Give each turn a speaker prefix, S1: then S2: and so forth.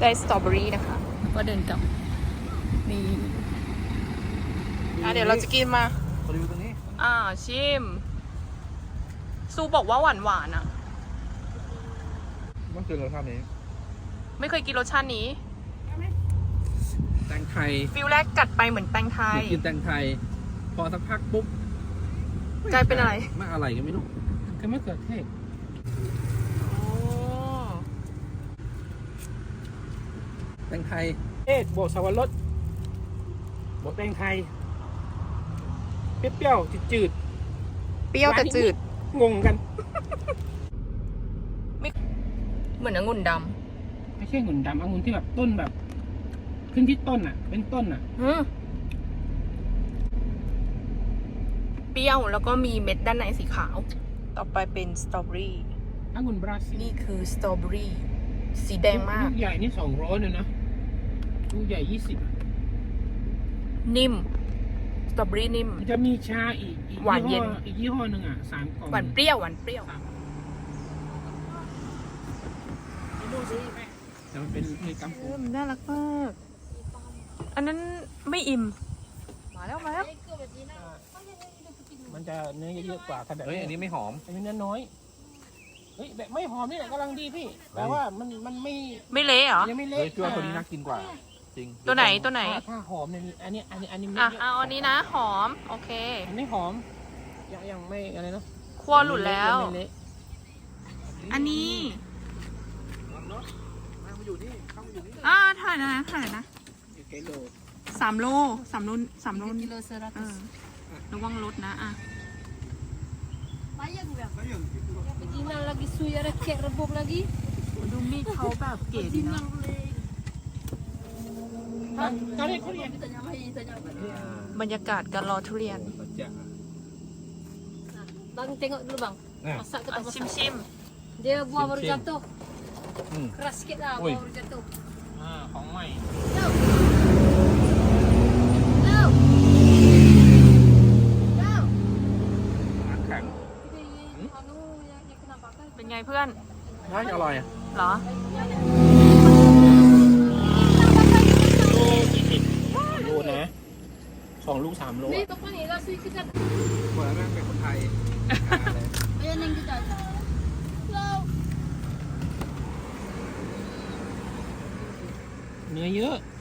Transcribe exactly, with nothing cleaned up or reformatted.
S1: ได้สตรอเบอรี่นะคะก็เดินกลับนี่อ่ะเดี๋ยวเราจะกินมา
S2: รีวิวตรงนี้
S1: อ่าชิมซูบอกว่าหวานหวานอ่ะ
S2: ต้องกินรสชาตินี้
S1: ไม่เคยกินรสชาตินี้
S2: แตงไทย
S1: ฟิลแรกกัดไปเหมือนแตงไทย
S2: กินแตงไทยพอสักพักปุ๊บ
S1: กลายเป็นอะไร
S2: ไม่อะไรก็ไม่รู้
S3: ก็ไม่เกิดเทศ
S2: แตงไทย
S3: เทศโบสาวรสโบแตงไทยเปรี้ยวๆจืด
S1: เปรี้ยวแต่จืด
S3: งงกัน
S1: ไม่เหมือนองุ่นดำ
S3: ไม่ใช่องุ่นดำองุ่นที่แบบต้นแบบขึ้นที่ต้นอ่ะเป็นต้นอ่ะ
S1: เปรี้ยวแล้วก็มีเม็ดด้านในสีขาวต่อไปเป็นสตรอเบอรี่
S3: องุ่นบราซิล
S1: นี่คือสตรอเบอรี่สีแดงมาก
S3: ลูกใหญ่นี่สองร้อยเลยนะลูกใหญ่ยี่สิบ
S1: นิ่มสตรอเบอรี่นิ่ม
S3: จะมีชาอีก
S1: หวานเย็น
S3: อีกยี่ห้อหนึ่งอ่ะสามกล่อง
S1: หวานเปรี้ยวหวานเปรี้ยว
S3: ดูสิแม่แต่มันเป็นในกัมพู
S1: น่ารักมากอันนั้นไม่อิ่มมาแล้วมาแล้ว
S3: มันจะเนื้อเยอะกว่าถ้าแบบ
S2: เฮ้ยอันนี้ไม่หอม
S3: อันนี้เนื้อน้อยเฮ้ยแบบไม่หอมนี่แหละกำลังดีพี่แต่ว่ามันมันไม่
S1: ไม่เละเหรอ
S3: ยังไม่เละ
S2: เฮ้ยตัวนี้น่ากินกว่าจริง
S1: ตัวไหนตัวไหน
S3: ถ้าหอมเนี่ยอันนี้อันนี้อันนี้
S1: อ่ะเอาอันนี้นะหอมโอเค
S3: อันนี้หอมยังยังไม่อะไรนะ
S1: คั่วหลุดแล้วอันนี้อ่าถ่ายนะถ่ายนะสามโลสามโลสามโลนี่เออระวังรถนะอ่ะดูมีดเขาแบบเก๋ดีนะบรรยากาศการรอทุเรียน
S4: Bang tengok dulu bang. Masak ke tak masak?
S1: Sim sim.
S4: Dia buah baru jatuh. Keras sikit lah buah baru jatuh.
S3: อ่าของใหม่
S2: แข็ง
S1: เป็นไงเพื่อน
S2: น่าจะอร่อย
S1: เหรอ
S3: โลนะสองลูกสามโล
S4: นี่ตกนี่เราซื้อกัน
S2: เหมือนนั่งเป็นคนไทย
S4: Ayan yang kita. Hello.
S3: เนื้อเยอะ